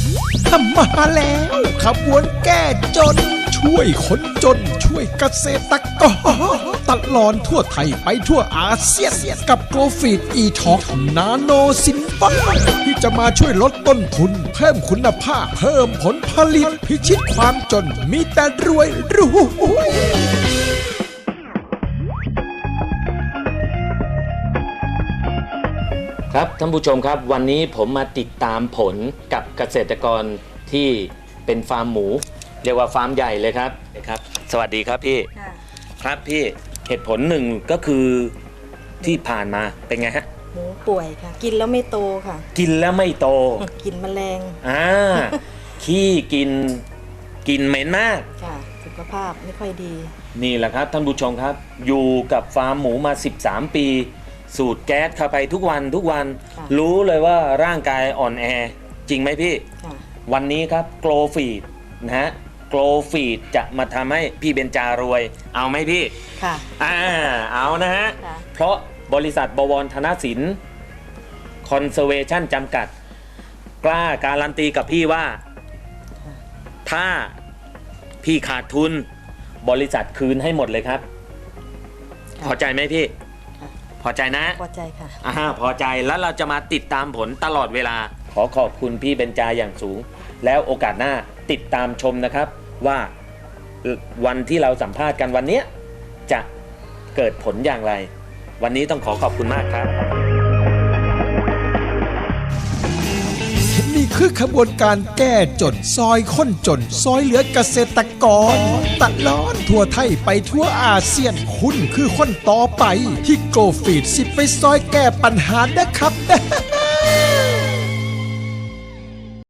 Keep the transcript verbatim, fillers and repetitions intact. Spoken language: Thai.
ทำมาแล้วขบวนแก้จนช่วยคนจนช่วยเกษตรกรตลอดทั่วไทยไปทั่วอาเซียนกับโกลฟีดอีท็อกนาโนซินฟาที่จะมาช่วยลดต้นทุนเพิ่มคุณภาพเพิ่มผลผลิตพิชิตความจนมีแต่รวยรวยครับท่านผู้ชมครับวันนี้ผมมาติดตามผลกับเกษตรกรที่เป็นฟาร์มหมูเรียกว่าฟาร์มใหญ่เลยครับครับสวัสดีครับพี่ครับพี่เหตุผลหนึ่งก็คือที่ผ่านมาเป็นไงฮะหมูป่วยค่ะกินแล้วไม่โตค่ะกินแล้วไม่โตกินแมลงอ่าขี้กินกินเหม็นมากค่ะสุขภาพไม่ค่อยดีนี่แหละครับท่านผู้ชมครับอยู่กับฟาร์มหมูมาสิบสามปีสูดแก๊สเข้าไปทุกวันทุกวันรู้เลยว่าร่างกายอ่อนแอจริงไหมพี่วันนี้ครับโกลฟีดนะฮะโกลฟีดจะมาทำให้พี่เบญจารวยเอาไหมพี่ค่ะอ่าเอานะฮะเพราะบริษัทบวรธนสินคอนเซอร์เวชั่นจำกัดกล้าการันตีกับพี่ว่าถ้าพี่ขาดทุนบริษัทคืนให้หมดเลยครับพอใจไหมพี่พอใจนะพอใจค่ะอ่าพอใจแล้วเราจะมาติดตามผลตลอดเวลาขอขอบคุณพี่เบญจาอย่างสูงแล้วโอกาสหน้าติดตามชมนะครับว่าวันที่เราสัมภาษณ์กันวันนี้จะเกิดผลอย่างไรวันนี้ต้องขอขอบคุณมากครับนี่คือขบวนการแก้จนซอยค้นจนซอยเหลือเกษตรกรตลอดทั่วไทยไปทั่วอาเซียนคุณคือคนต่อไปที่โกลฟีดสิไปซอยแก้ปัญหานะครับ